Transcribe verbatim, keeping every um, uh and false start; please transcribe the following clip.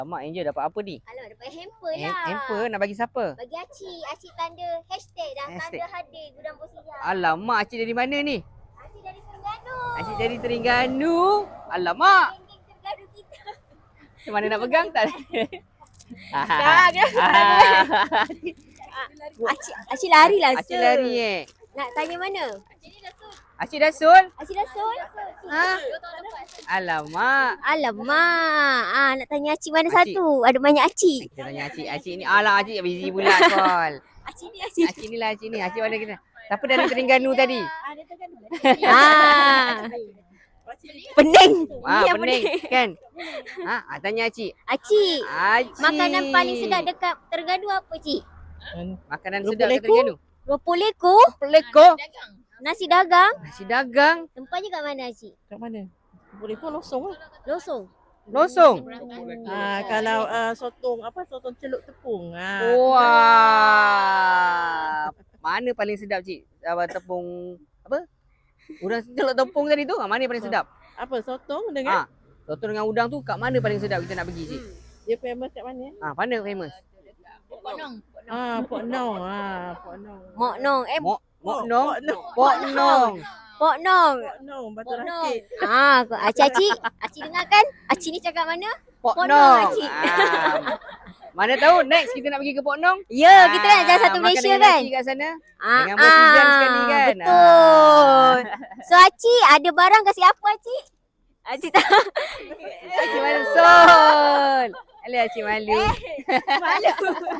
Mak Angel dapat apa ni? Alah, dapat hamper Ham- lah. Hamper nak bagi siapa? Bagi Acik. Acik tanda hashtag dah. Hashtag. Tanda hadir Gudang Bosiah. Alamak, Acik dari mana ni? Acik dari Terengganu. Acik dari Terengganu. Alamak. Geng-geng Terengganu kita. Macam mana nak pegang tak? Dah, dah. Acik, Acik lari lah. Acik lari eh. Nak tanya mana? Acik dah sul? Acik dah sol? Ha? Alamak. Alamak. Ah, nak tanya Acik mana Acik. satu? Ada banyak Acik. Kita tanya Acik. Acik ni, alah Acik busy pula call. Acik ni Acik. Acik ni lah Acik ni. Acik mana kita? Siapa dari Terengganu tadi? Ah. Pening. Ah, Ni yang pening kan? Ha, ah, tanya Acik. Acik, Acik. makanan paling sedap dekat Terengganu apa, Cik? Makanan Rupa sedap kat leko? Terengganu. Ropol leko, Peleko. nasi dagang. Nasi dagang. Tempatnya kat mana, Cik? Kat mana? Boleh pun losong lah. Losong. Losong. Ah, kalau uh, sotong apa sotong celup tepung. Ah. Wah. Mana paling sedap Cik? Apa tepung apa? Udang celok tepung tadi tu, ah, mana paling sedap? Apa sotong Ah, dengan soto dengan udang tu kat mana paling sedap kita nak pergi Cik? dia famous kat mana? Ah, mana famous? Ah, Pok Nong. Ah, Pok Nong. Mok Nong. Eh, Mok Mok Pok Nong. Nong. Pok Nong. Pok Nong. Pok Nong Batu Pok Nong. Rakit. Ah, Acik Acik, Acik dengar kan? Acik ni cakap mana? Pok Pok Nong. Nong, Cik. Ah, mana tahu next kita nak pergi ke Pok Nong? Ya, kita kan jalan satu Ah, Malaysia makan kan? dengan kat sana. Ah, Dengan Bos Hujan ah, sekali kan? Betul. So Acik ada barang kasih apa Acik? Acik tak Acik malu sol. Alah Acik malu. malu.